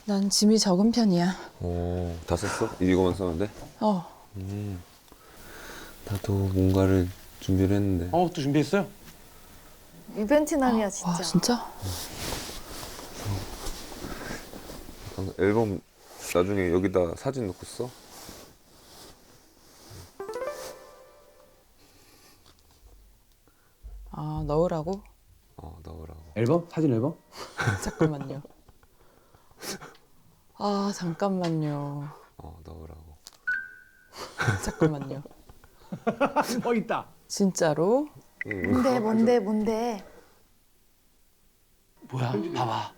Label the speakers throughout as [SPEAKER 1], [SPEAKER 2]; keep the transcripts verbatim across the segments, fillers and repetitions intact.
[SPEAKER 1] 난 짐이 적은 편이야.
[SPEAKER 2] 오, 다 썼어? 이거만 썼는데?
[SPEAKER 1] 어.
[SPEAKER 2] 음, 나도 뭔가를 준비를 했는데.
[SPEAKER 3] 어, 또 준비했어요?
[SPEAKER 4] 이벤트남이야 진짜.
[SPEAKER 1] 와, 진짜?
[SPEAKER 2] 약간 앨범 나중에 여기다 사진 넣고 써?
[SPEAKER 1] 아, 넣으라고?
[SPEAKER 2] 어, 넣으라고.
[SPEAKER 3] 앨범? 사진 앨범?
[SPEAKER 1] 잠깐만요. 아, 잠깐만요.
[SPEAKER 2] 어, 넣으라고.
[SPEAKER 1] 잠깐만요.
[SPEAKER 3] 어, 있다.
[SPEAKER 1] 진짜로?
[SPEAKER 2] 응.
[SPEAKER 4] 뭔데 뭔데 뭔데.
[SPEAKER 3] 뭐야? 봐봐.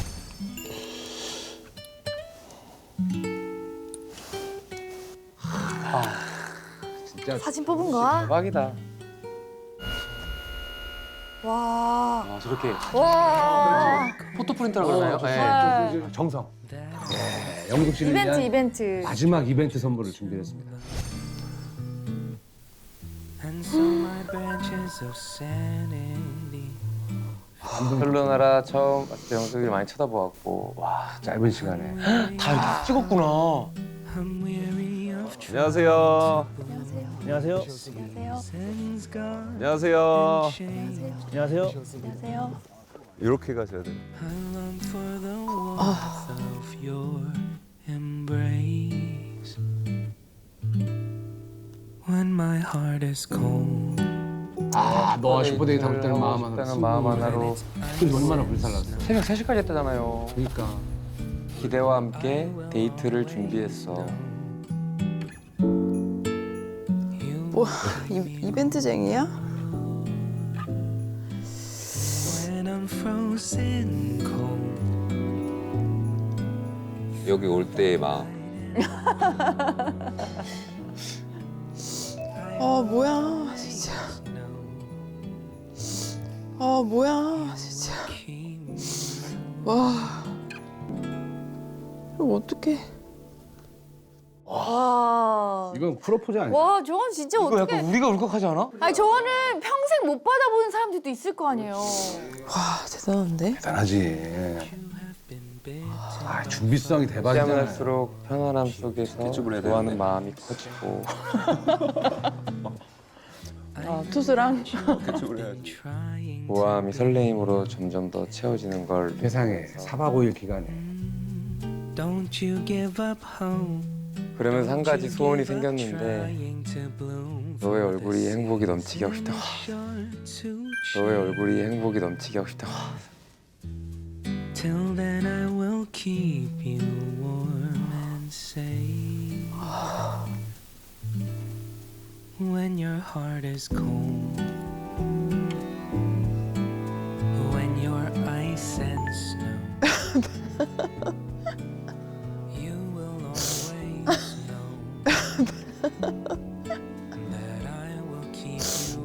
[SPEAKER 3] 아, 진짜
[SPEAKER 4] 사진 뽑은 거야?
[SPEAKER 3] 대박이다.
[SPEAKER 4] 와.
[SPEAKER 3] 아, 저렇게
[SPEAKER 4] 와.
[SPEAKER 3] 포토 프린터라고 그러나요?
[SPEAKER 4] 네.
[SPEAKER 3] 네. 정성. 예, 영숙 씨를
[SPEAKER 4] 이벤트
[SPEAKER 3] 위한
[SPEAKER 4] 이벤트.
[SPEAKER 3] 마지막 이벤트 선물을 준비했습니다. 헬로나라 처음 봤을 때 영숙이 많이 쳐다보았고 와 짧은 시간에 다 이렇게 찍었구나.
[SPEAKER 2] 안녕하세요.
[SPEAKER 4] 안녕하세요.
[SPEAKER 5] 안녕하세요.
[SPEAKER 4] 안녕하세요.
[SPEAKER 2] 안녕하세요.
[SPEAKER 5] 안녕하세요.
[SPEAKER 4] 안녕하세요.
[SPEAKER 2] 이렇게 가셔야 돼요.
[SPEAKER 6] When my heart is cold.
[SPEAKER 3] 아 너와 슈퍼데이 담을 때는 마음 하나로
[SPEAKER 6] 때는 마음 하나로
[SPEAKER 3] 근데 얼마나 불살랐어.
[SPEAKER 6] 새벽 세 시까지 했다잖아요.
[SPEAKER 3] 그러니까
[SPEAKER 6] 기대와 함께 데이트를 준비했어.
[SPEAKER 1] 뭐, 이, 이벤트쟁이야?
[SPEAKER 6] When I'm frozen cold.
[SPEAKER 2] 여기 올 때의 마음.
[SPEAKER 1] 아, 뭐야, 진짜. 아, 뭐야, 진짜. 와. 이거 어떡해.
[SPEAKER 4] 와.
[SPEAKER 3] 이건 프로포즈 아니야?
[SPEAKER 4] 와 저건 진짜
[SPEAKER 6] 이거
[SPEAKER 4] 어떻게?
[SPEAKER 6] 약간 우리가 울컥하지 않아?
[SPEAKER 4] 아니 저거는 평생 못 받아보는 사람들도 있을 거 아니에요.
[SPEAKER 1] 와, 대단한데?
[SPEAKER 3] 대단하지. 아 준비성이 대박이잖아.
[SPEAKER 6] 시간을 할수록 편안함 속에서
[SPEAKER 2] 개축을 해야
[SPEAKER 6] 좋아하는
[SPEAKER 2] 되는데.
[SPEAKER 6] 마음이 커지고
[SPEAKER 1] 아, 투수랑?
[SPEAKER 2] 개축을 해야지.
[SPEAKER 6] 모함이 설레임으로 점점 더 채워지는 걸
[SPEAKER 3] 세상에 사박 오일 기간에
[SPEAKER 6] Don't you give up hope. 그러면서 한 가지 소원이 생겼는데 너의 얼굴이 행복이 넘치게 하고 싶다. 너의 얼굴이 행복이 넘치게 하고 싶다. Till then I will keep you warm and safe. When your heart is cold. When you're ice and snow. You will always know that I will keep you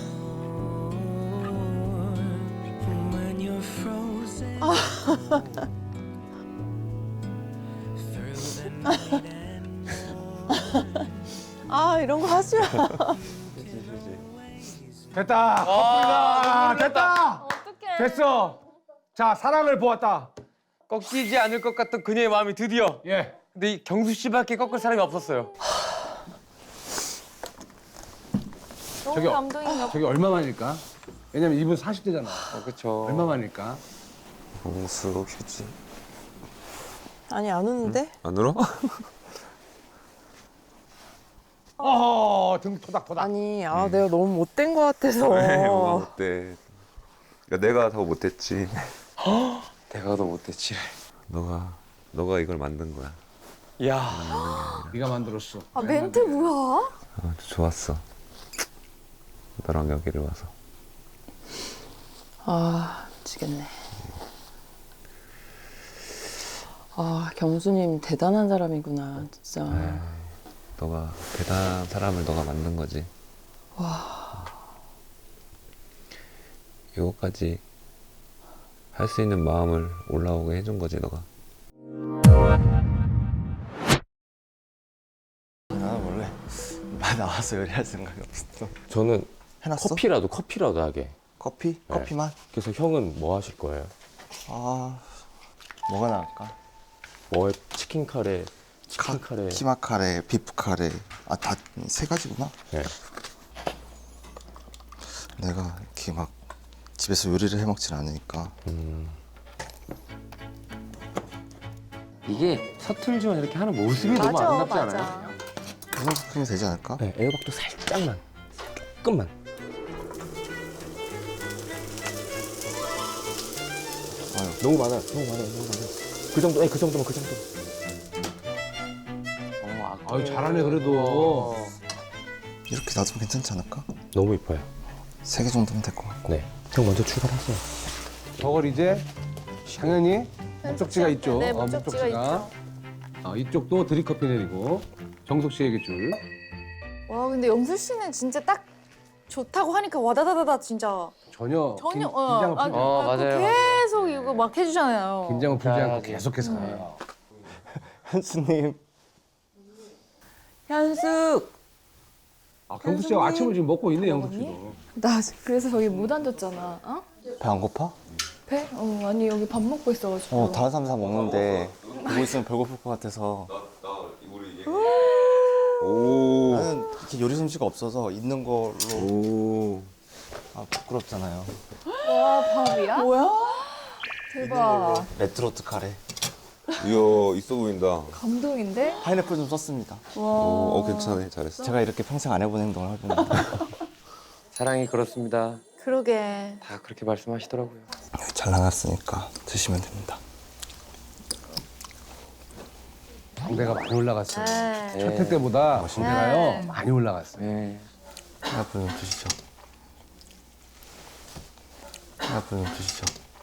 [SPEAKER 6] warm when you're frozen through the night and morn.
[SPEAKER 1] 아, 이런 거 하지 마.
[SPEAKER 3] 됐다. 커플이다. 됐다.
[SPEAKER 4] 어떡해.
[SPEAKER 3] 됐어. 자 사랑을 보았다.
[SPEAKER 6] 꺾이지 않을 것 같던 그녀의 마음이 드디어.
[SPEAKER 3] 예.
[SPEAKER 6] 근데 이 경수 씨밖에 꺾을 사람이 없었어요.
[SPEAKER 4] 너무
[SPEAKER 3] 저기,
[SPEAKER 4] 감동인가.
[SPEAKER 3] 저기 얼마만일까? 왜냐면 이분 사십 대잖아.
[SPEAKER 6] 어, 그렇죠.
[SPEAKER 3] 얼마만일까?
[SPEAKER 2] 공수 휴지.
[SPEAKER 1] 아니, 안 우는데?
[SPEAKER 2] 안 울어?
[SPEAKER 3] 어허 등 토닥토닥.
[SPEAKER 1] 아니, 아, 내가 너무 못된 거 같아서.
[SPEAKER 2] 왜 뭐가 못돼? 그러니까 내가 더 못했지.
[SPEAKER 6] 내가 더 못했지.
[SPEAKER 2] 너가 너가 이걸 만든 거야.
[SPEAKER 6] 야,
[SPEAKER 3] 네가 만들었어.
[SPEAKER 4] 아 멘트 뭐야?
[SPEAKER 2] 아, 좋았어. 너랑 여기를 와서.
[SPEAKER 1] 아, 미치겠네. 아, 경수님 대단한 사람이구나, 진짜.
[SPEAKER 2] 에이, 너가 대단한 사람을 너가 만든 거지.
[SPEAKER 1] 와.
[SPEAKER 2] 이거까지 할 수 있는 마음을 올라오게 해준 거지 너가.
[SPEAKER 5] 나 원래 말 나와서 요리할 생각이 없었어.
[SPEAKER 7] 저는
[SPEAKER 5] 해놨어?
[SPEAKER 7] 커피라도 커피라도 하게.
[SPEAKER 5] 커피? 커피만?
[SPEAKER 7] 그래서 형은 뭐 하실 거예요?
[SPEAKER 5] 아 뭐가 나을까?
[SPEAKER 7] 뭐 치킨 카레, 치킨 카레.
[SPEAKER 5] 키마 카레, 비프 카레. 아, 다 세 가지구나.
[SPEAKER 7] 네.
[SPEAKER 5] 내가 이렇게 막 집에서 요리를 해 먹진 않으니까.
[SPEAKER 7] 음.
[SPEAKER 3] 이게 서툴지만 이렇게 하는 모습이 너무
[SPEAKER 4] 맞아,
[SPEAKER 3] 아름답지
[SPEAKER 4] 맞아.
[SPEAKER 3] 않아요?
[SPEAKER 5] 그 정도면 되지 않을까?
[SPEAKER 7] 네, 애호박도 살짝만, 조금만.
[SPEAKER 5] 아유.
[SPEAKER 7] 너무 많아요, 너무 많아요, 너무 많아요. 그 정도, 네, 그 정도면 그 정도.
[SPEAKER 3] 어,
[SPEAKER 8] 아유 잘하네 그래도.
[SPEAKER 5] 이렇게 놔두면 괜찮지 않을까?
[SPEAKER 7] 너무 이뻐요.
[SPEAKER 5] 세 개 정도면 될 것 같고.
[SPEAKER 7] 네, 형 먼저 출발하세요.
[SPEAKER 8] 저걸 이제 당연히 목적지가 있죠.
[SPEAKER 4] 네,
[SPEAKER 8] 어,
[SPEAKER 4] 목적지가 있죠.
[SPEAKER 8] 어, 이쪽도 드립커피 내리고 정석 씨에게 줄.
[SPEAKER 4] 와, 근데 영수 씨는 진짜 딱 좋다고 하니까 와다다다다 진짜
[SPEAKER 8] 전혀
[SPEAKER 4] 전혀
[SPEAKER 8] 긴,
[SPEAKER 4] 어,
[SPEAKER 8] 긴장을
[SPEAKER 4] 아,
[SPEAKER 8] 풀지
[SPEAKER 3] 어,
[SPEAKER 4] 아, 그
[SPEAKER 3] 맞아요.
[SPEAKER 4] 계속 이거 막 해주잖아요.
[SPEAKER 8] 긴장을 풀지 않고
[SPEAKER 3] 맞아.
[SPEAKER 8] 계속해서 가요.
[SPEAKER 5] 현수님.
[SPEAKER 1] 현숙.
[SPEAKER 8] 아, 경수 씨가 아침을 지금 먹고 있네 영숙 씨도.
[SPEAKER 9] 나 그래서 저기 못 앉았잖아. 어?
[SPEAKER 5] 배 안 고파?
[SPEAKER 9] 배? 어, 아니 여기 밥 먹고 있어가지고.
[SPEAKER 5] 어, 다른 사람 다 먹는데 보고 있으면 배고플 것 같아서.
[SPEAKER 2] 오.
[SPEAKER 5] 나는 이렇게 요리 솜씨가 없어서 있는 걸로.
[SPEAKER 2] 오.
[SPEAKER 5] 아, 부끄럽잖아요.
[SPEAKER 9] 와 밥이야?
[SPEAKER 1] 뭐야?
[SPEAKER 9] 대박.
[SPEAKER 5] 레트로트 카레.
[SPEAKER 2] 이야, 있어 보인다.
[SPEAKER 9] 감동인데?
[SPEAKER 5] 파인애플 좀 썼습니다.
[SPEAKER 2] 오, 어, 괜찮네. 잘했어.
[SPEAKER 5] 제가 이렇게 평생 안 해본 행동을 하고 있는데.
[SPEAKER 3] 사랑이 그렇습니다.
[SPEAKER 4] 그러게.
[SPEAKER 3] 다 그렇게 말씀하시더라고요.
[SPEAKER 5] 잘 나갔으니까 드시면 됩니다.
[SPEAKER 8] 광대가 많이 올라갔어요.
[SPEAKER 4] 네.
[SPEAKER 8] 첫 회 때보다
[SPEAKER 5] 멋있네.
[SPEAKER 8] 광대가요 많이 올라갔어요.
[SPEAKER 3] 네.
[SPEAKER 5] 파인애플 좀 드시죠. 파인애플 좀 드시죠.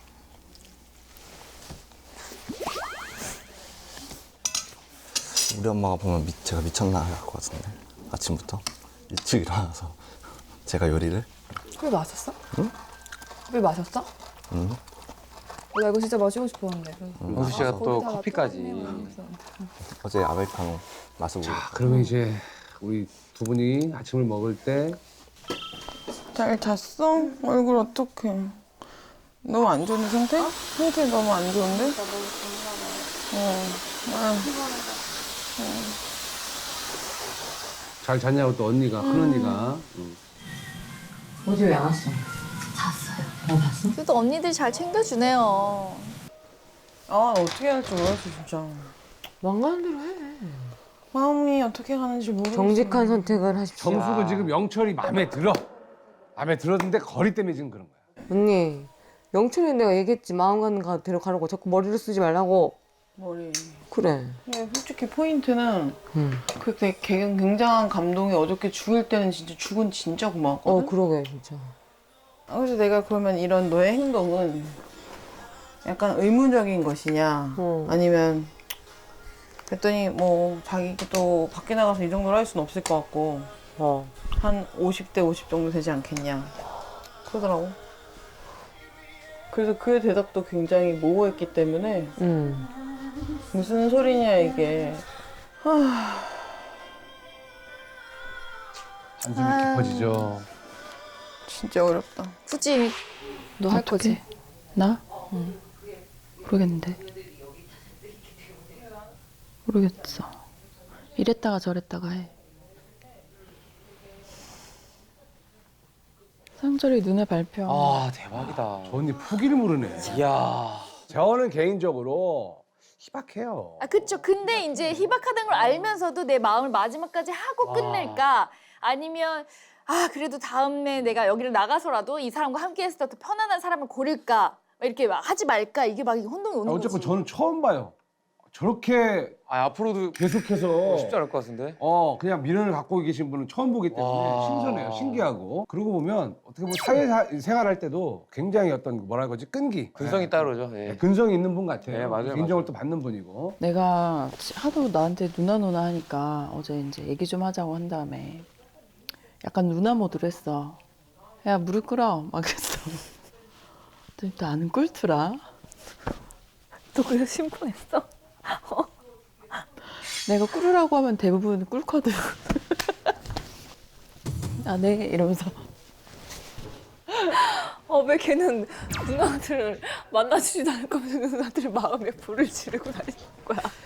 [SPEAKER 5] 우리 엄마가 보면 미, 제가 미쳤나 할 것 같은데. 아침부터 일찍 일어나서 제가 요리를.
[SPEAKER 9] 커피 마셨어? 응? 커피 마셨어?
[SPEAKER 5] 응?
[SPEAKER 9] 어, 나 이거 진짜 마시고 싶었는데.
[SPEAKER 3] 영수 씨가 또
[SPEAKER 9] 거기다가
[SPEAKER 3] 커피까지.
[SPEAKER 9] 또
[SPEAKER 5] 어제 아메리카노 마시고.
[SPEAKER 8] 자, 그러면 이제 우리 두 분이 아침을 먹을 때
[SPEAKER 1] 잘 잤어? 얼굴 어떡해. 너무 안 좋은 상태? 상태 너무 안 좋은데? 어. 아,
[SPEAKER 8] 잘 잤냐고 또 언니가 큰 언니가. 응.
[SPEAKER 10] 어제 왜 안 왔어?
[SPEAKER 4] 그래도 언니들 잘 챙겨주네요.
[SPEAKER 1] 아, 어떻게 할지 모르겠어, 진짜.
[SPEAKER 10] 망가는 대로 해.
[SPEAKER 1] 마음이 어떻게 가는지 모르겠어.
[SPEAKER 10] 정직한 선택을 하십시오.
[SPEAKER 8] 정숙은 지금 영철이 마음에 들어. 마음에 들었는데 거리 때문에 지금 그런 거야.
[SPEAKER 10] 언니, 영철이 내가 얘기했지. 마음 가는 가 데려가라고. 자꾸 머리를 쓰지 말라고.
[SPEAKER 1] 머리.
[SPEAKER 10] 그래.
[SPEAKER 1] 근데 솔직히 포인트는
[SPEAKER 10] 응.
[SPEAKER 1] 그 되게 굉장한 감동이 어저께 죽을 때는 진짜 죽은 진짜 고마웠거든.
[SPEAKER 10] 어, 그러게, 진짜.
[SPEAKER 1] 아, 그래서 내가 그러면 이런 너의 행동은 약간 의무적인 것이냐
[SPEAKER 10] 어.
[SPEAKER 1] 아니면 그랬더니 뭐 자기도 밖에 나가서 이 정도로 할 수는 없을 것 같고
[SPEAKER 10] 어.
[SPEAKER 1] 한 오십 대 오십 정도 되지 않겠냐 그러더라고. 그래서 그의 대답도 굉장히 모호했기 때문에
[SPEAKER 10] 응.
[SPEAKER 1] 무슨 소리냐 이게. 하...
[SPEAKER 8] 한숨이 깊어지죠.
[SPEAKER 1] 진짜 어렵다.
[SPEAKER 4] 굳이
[SPEAKER 9] 너 할 거지?
[SPEAKER 1] 나? 응. 모르겠는데. 모르겠어. 이랬다가 저랬다가 해. 상철이 눈에 밟혀.
[SPEAKER 3] 아, 대박이다.
[SPEAKER 8] 저 언니 포기를 모르네.
[SPEAKER 3] 이야.
[SPEAKER 8] 저는 개인적으로 희박해요.
[SPEAKER 4] 아, 그쵸. 근데 이제 희박하다는 걸 알면서도 내 마음을 마지막까지 하고
[SPEAKER 3] 와.
[SPEAKER 4] 끝낼까? 아니면, 아, 그래도 다음에 내가 여기를 나가서라도 이 사람과 함께 했을 때 더 편안한 사람을 고를까? 막 이렇게 막 하지 말까? 이게 막 혼동이 오는
[SPEAKER 8] 아, 어쨌건
[SPEAKER 4] 거지.
[SPEAKER 8] 저는 처음 봐요. 저렇게
[SPEAKER 3] 아, 앞으로도
[SPEAKER 8] 계속해서
[SPEAKER 3] 쉽지 않을 것 같은데?
[SPEAKER 8] 어 그냥 미련을 갖고 계신 분은 처음 보기 때문에
[SPEAKER 3] 와.
[SPEAKER 8] 신선해요, 신기하고. 그러고 보면 어떻게 보면 사회 사- 생활할 때도 굉장히 어떤 뭐라 그러지 끈기,
[SPEAKER 3] 근성이
[SPEAKER 8] 네.
[SPEAKER 3] 따로죠. 예.
[SPEAKER 8] 네, 근성이 있는 분 같아요.
[SPEAKER 3] 네, 맞아요,
[SPEAKER 8] 인정을
[SPEAKER 3] 맞아요.
[SPEAKER 8] 또 받는 분이고.
[SPEAKER 1] 내가 하도 나한테 누나 누나 하니까 어제 이제 얘기 좀 하자고 한 다음에 약간 누나 모드로 했어. 야, 무릎 꿇어. 막 그랬어. 또 나는 꿇더라.
[SPEAKER 9] 너 그래서 심쿵했어?
[SPEAKER 1] 내가 꿇으라고 하면 대부분 꿇거든. 아, 네. 이러면서.
[SPEAKER 9] 어, 왜 걔는 누나들을 만나주지도 않을 거면서 누나들 마음에 불을 지르고 다니는 거야?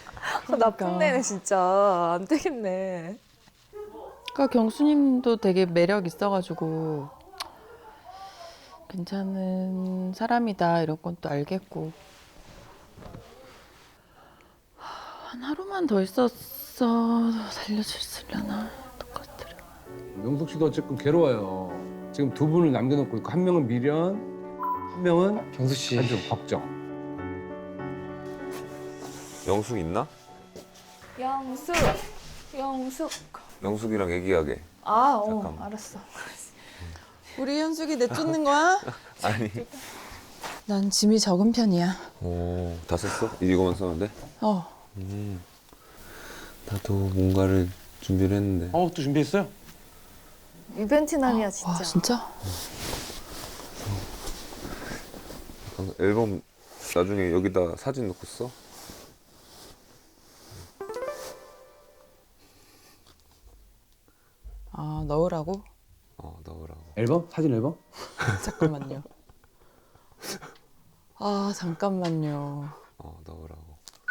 [SPEAKER 9] 나쁜 애네 진짜. 안 되겠네.
[SPEAKER 1] 그러니까 경수님도 되게 매력 있어가지고 괜찮은 사람이다 이런 건 또 알겠고 한 하루만 더 있었어 살려줬으려나 똑같더라.
[SPEAKER 8] 명숙 씨도 어쨌든 괴로워요. 지금 두 분을 남겨놓고 있고 한 명은 미련, 한 명은
[SPEAKER 3] 경수 씨.
[SPEAKER 8] 아주 걱정.
[SPEAKER 2] 영숙 있나?
[SPEAKER 4] 영숙, 영숙.
[SPEAKER 2] 영숙이랑 얘기하게.
[SPEAKER 4] 아, 어,
[SPEAKER 2] 잠깐만.
[SPEAKER 4] 알았어.
[SPEAKER 1] 우리 현숙이 내쫓는 거야?
[SPEAKER 2] 아니.
[SPEAKER 1] 난 짐이 적은 편이야.
[SPEAKER 2] 오, 다 썼어? 이거만 썼는데?
[SPEAKER 1] 어.
[SPEAKER 2] 음. 나도 뭔가를 준비를 했는데.
[SPEAKER 3] 어, 또 준비했어요?
[SPEAKER 4] 유벤트남이야 진짜.
[SPEAKER 1] 와 진짜?
[SPEAKER 2] 잠깐, 앨범 나중에 여기다 사진 넣고 써?
[SPEAKER 1] 아 넣으라고?
[SPEAKER 2] 어, 넣으라고.
[SPEAKER 8] 앨범? 사진 앨범?
[SPEAKER 1] 잠깐만요. 아 잠깐만요.
[SPEAKER 2] 어, 넣으라고.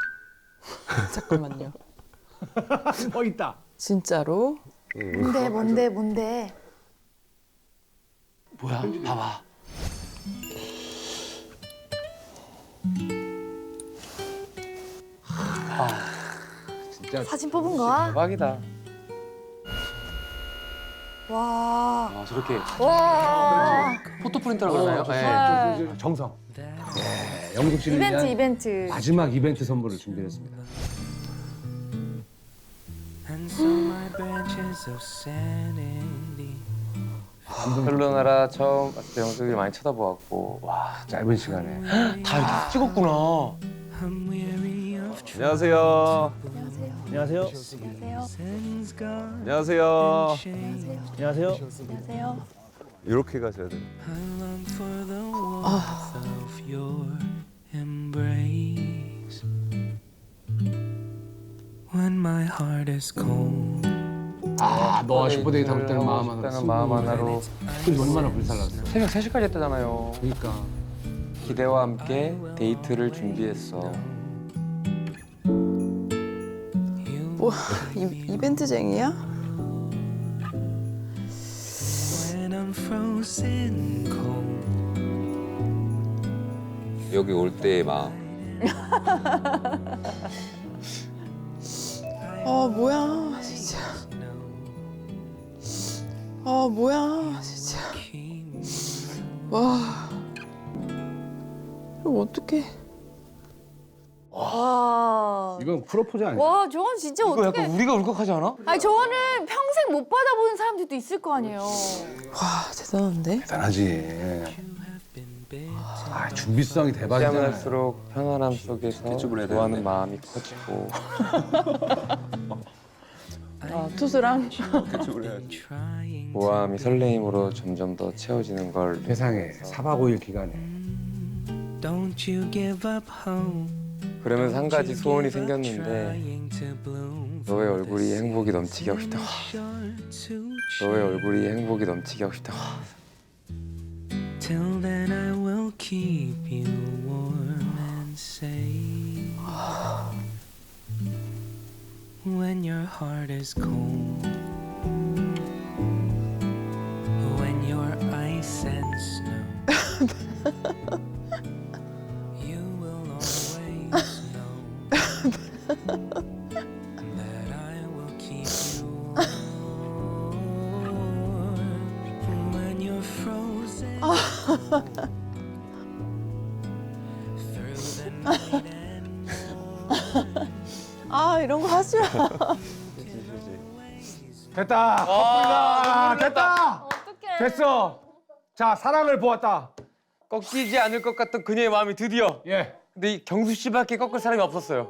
[SPEAKER 1] 잠깐만요.
[SPEAKER 8] 어 있다.
[SPEAKER 1] 진짜로?
[SPEAKER 4] 뭔데, 뭔데, 뭔데?
[SPEAKER 3] 뭐야? 봐봐.
[SPEAKER 8] 진짜
[SPEAKER 4] 사진 뽑은 거야?
[SPEAKER 3] 대박이다.
[SPEAKER 4] 와,
[SPEAKER 3] 아, 저렇게
[SPEAKER 4] 와.
[SPEAKER 3] 포토 프린터라고 하나요? 네.
[SPEAKER 8] 저, 저, 저, 정성. 예, 영숙 씨를
[SPEAKER 4] 이벤트,
[SPEAKER 8] 위한
[SPEAKER 4] 이벤트.
[SPEAKER 8] 마지막 이벤트 선물을 준비했습니다.
[SPEAKER 3] 헬로나라 처음 봤을 때 영숙이 많이 쳐다보았고 와 짧은 시간에 다 이렇게 찍었구나.
[SPEAKER 2] 안녕하세요.
[SPEAKER 7] 안녕하세요.
[SPEAKER 2] 안녕하세요.
[SPEAKER 7] 안녕하세요.
[SPEAKER 4] 안녕하세요.
[SPEAKER 2] 이렇게 가셔야 돼요.
[SPEAKER 6] When my heart is cold.
[SPEAKER 8] 아, 너와 슈퍼데이트 하고 있다는 마음 하나로
[SPEAKER 3] 싶다는 마음 하나로
[SPEAKER 8] 그게 얼마나 불살랐어.
[SPEAKER 3] 새벽 세 시까지 했다잖아요.
[SPEAKER 8] 그러니까
[SPEAKER 3] 기대와 함께 데이트를 준비했어.
[SPEAKER 1] 뭐 이, 이벤트쟁이야?
[SPEAKER 6] When I'm frozen cold.
[SPEAKER 2] 여기 올 때의 마음.
[SPEAKER 1] 아 뭐야 진짜. 아 뭐야 진짜. 와. 이거 어떡해.
[SPEAKER 4] 와.
[SPEAKER 8] 이건 프로포즈 아니야?
[SPEAKER 4] 와, 저건 진짜
[SPEAKER 3] 이거
[SPEAKER 4] 어떻게?
[SPEAKER 3] 약간 우리가 울컥하지 않아?
[SPEAKER 4] 아니, 저거는 평생 못 받아보는 사람들도 있을 거 아니에요.
[SPEAKER 1] 와 대단한데?
[SPEAKER 8] 대단하지. 아, 준비성이
[SPEAKER 3] 시험을
[SPEAKER 8] 대박이잖아.
[SPEAKER 3] 할수록 편안함 속에서
[SPEAKER 2] 개축을 해야
[SPEAKER 3] 좋아하는
[SPEAKER 2] 되는데.
[SPEAKER 3] 마음이 커지고
[SPEAKER 1] 아 투수랑
[SPEAKER 3] 모함이 설레임으로 점점 더 채워지는 걸
[SPEAKER 8] 세상에 사 박 오 일 기간에
[SPEAKER 6] Don't you give up hope.
[SPEAKER 3] 그러면서 한 가지 소원이 생겼는데 너의 얼굴이 행복이 넘치게 하고 싶다. 너의 얼굴이 행복이 넘치게 하고 싶다.
[SPEAKER 6] Till then I will keep you warm and safe. When your heart is cold. When you're ice and snow. You will always know that I will keep you warm. When you're frozen through the night and morning.
[SPEAKER 1] 아 이런 거 하지 마.
[SPEAKER 8] 됐다. 커플이다. 됐다.
[SPEAKER 4] 어떡해.
[SPEAKER 8] 됐어. 자, 사랑을 보았다.
[SPEAKER 3] 꺾이지 않을 것 같던 그녀의 마음이 드디어.
[SPEAKER 8] 예.
[SPEAKER 3] 근데 이 경수 씨밖에 꺾을 사람이 없었어요.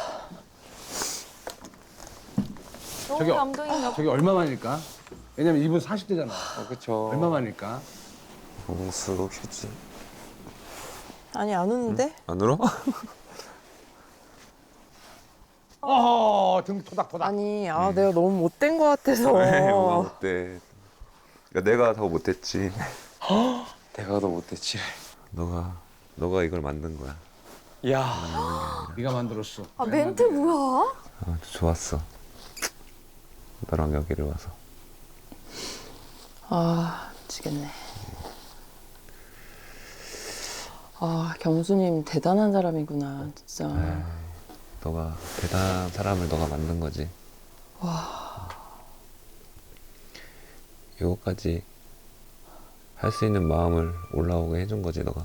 [SPEAKER 4] 너무
[SPEAKER 8] 저기,
[SPEAKER 4] 감동인가 봐.
[SPEAKER 8] 저기 얼마만일까? 왜냐면 이분 사십 대잖아.
[SPEAKER 3] 어, 그렇죠.
[SPEAKER 8] 얼마만일까?
[SPEAKER 2] 영숙이지.
[SPEAKER 1] 아니 안 우는데?
[SPEAKER 2] 안 울어?
[SPEAKER 8] 어허, 등 토닥토닥.
[SPEAKER 1] 아니 아 내가 너무 못된 거 같아서.
[SPEAKER 2] 왜 뭐가 못돼? 그러니까 내가 더 못했지.
[SPEAKER 3] 내가 더 못했지.
[SPEAKER 2] 너가 너가 이걸 만든 거야.
[SPEAKER 3] 야.
[SPEAKER 8] 네가 만들었어.
[SPEAKER 4] 아 멘트 뭐야?
[SPEAKER 2] 아, 좋았어. 너랑 여기를 와서.
[SPEAKER 1] 아 미치겠네. 아 경수님 대단한 사람이구나 진짜.
[SPEAKER 2] 에이, 너가 대단한 사람을 너가 만든 거지.
[SPEAKER 1] 와.
[SPEAKER 2] 이거까지 할 수 있는 마음을 올라오게 해준 거지 너가.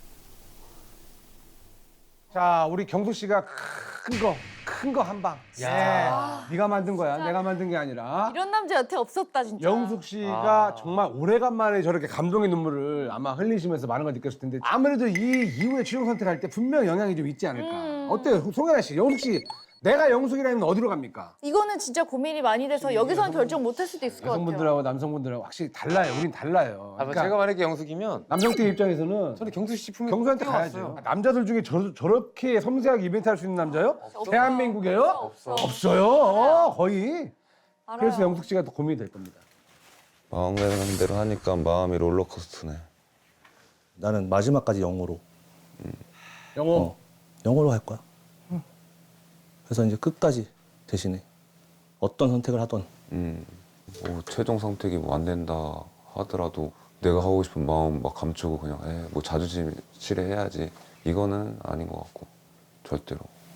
[SPEAKER 8] 자, 우리 경수 씨가 큰 거, 큰 거 한 방. 야, 네가 만든 거야. 내가 만든 게 아니라.
[SPEAKER 4] 이런 남자 여태 없었다 진짜.
[SPEAKER 8] 영숙 씨가 정말 오래간만에 저렇게 감동의 눈물을 아마 흘리시면서 많은 걸 느꼈을 텐데 아무래도 이 이후에 최종 선택할 때 분명 영향이 좀 있지 않을까.
[SPEAKER 4] 음.
[SPEAKER 8] 어때요, 송혜나 씨? 영숙 씨, 내가 영숙이라면 어디로 갑니까?
[SPEAKER 4] 이거는 진짜 고민이 많이 돼서 여기서는 결정 못 할 수도 있을 것 같아요.
[SPEAKER 8] 여성분들하고 남성분들하고 확실히 달라요. 우린 달라요.
[SPEAKER 3] 아, 제가 만약에 영숙이면
[SPEAKER 8] 남성팀 입장에서는
[SPEAKER 3] 저는 경수 씨 품에
[SPEAKER 8] 경수한테
[SPEAKER 3] 뛰어왔어요.
[SPEAKER 8] 가야죠. 남자들 중에 저, 저렇게 섬세하게 이벤트 할 수 있는 남자요? 대한민국에요?
[SPEAKER 4] 없어.
[SPEAKER 8] 없어요. 어, 거의.
[SPEAKER 4] 알아요.
[SPEAKER 8] 그래서 영숙 씨가 더 고민이 될 겁니다.
[SPEAKER 5] 마음 가는 대로 하니까 마음이 롤러코스터네.
[SPEAKER 7] 나는 마지막까지 영어로.
[SPEAKER 8] 영호.
[SPEAKER 7] 어, 영어로 할 거야. 그래서 이제 끝까지 대신에 어떤 선택을 하던
[SPEAKER 2] 음, 뭐 최종 선택이 뭐 안 된다 하더라도 내가 하고 싶은 마음 막 감추고 그냥 에, 뭐 자존심 실해야지 이거는 아닌 것 같고 절대로.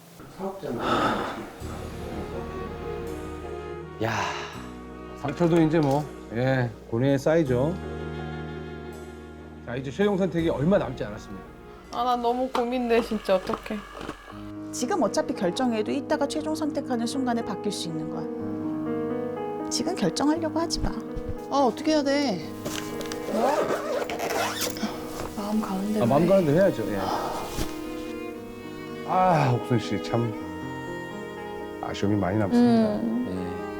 [SPEAKER 3] 야.
[SPEAKER 8] 상처도 이제 뭐, 예, 고뇌에 쌓이죠. 자, 이제 최종 선택이 얼마 남지 않았습니다.
[SPEAKER 1] 아 나 너무 고민돼 진짜 어떡해.
[SPEAKER 11] 지금 어차피 결정해도 이따가 최종 선택하는 순간에 바뀔 수 있는 거야. 지금 결정하려고 하지 마.
[SPEAKER 1] 아 어떻게 해야 돼? 마음 가는 대로.
[SPEAKER 8] 아, 마음
[SPEAKER 1] 해.
[SPEAKER 8] 가는 대로 해야죠, 예. 아, 옥순 씨, 참 아쉬움이 많이 남습니다.
[SPEAKER 4] 음.
[SPEAKER 3] 네.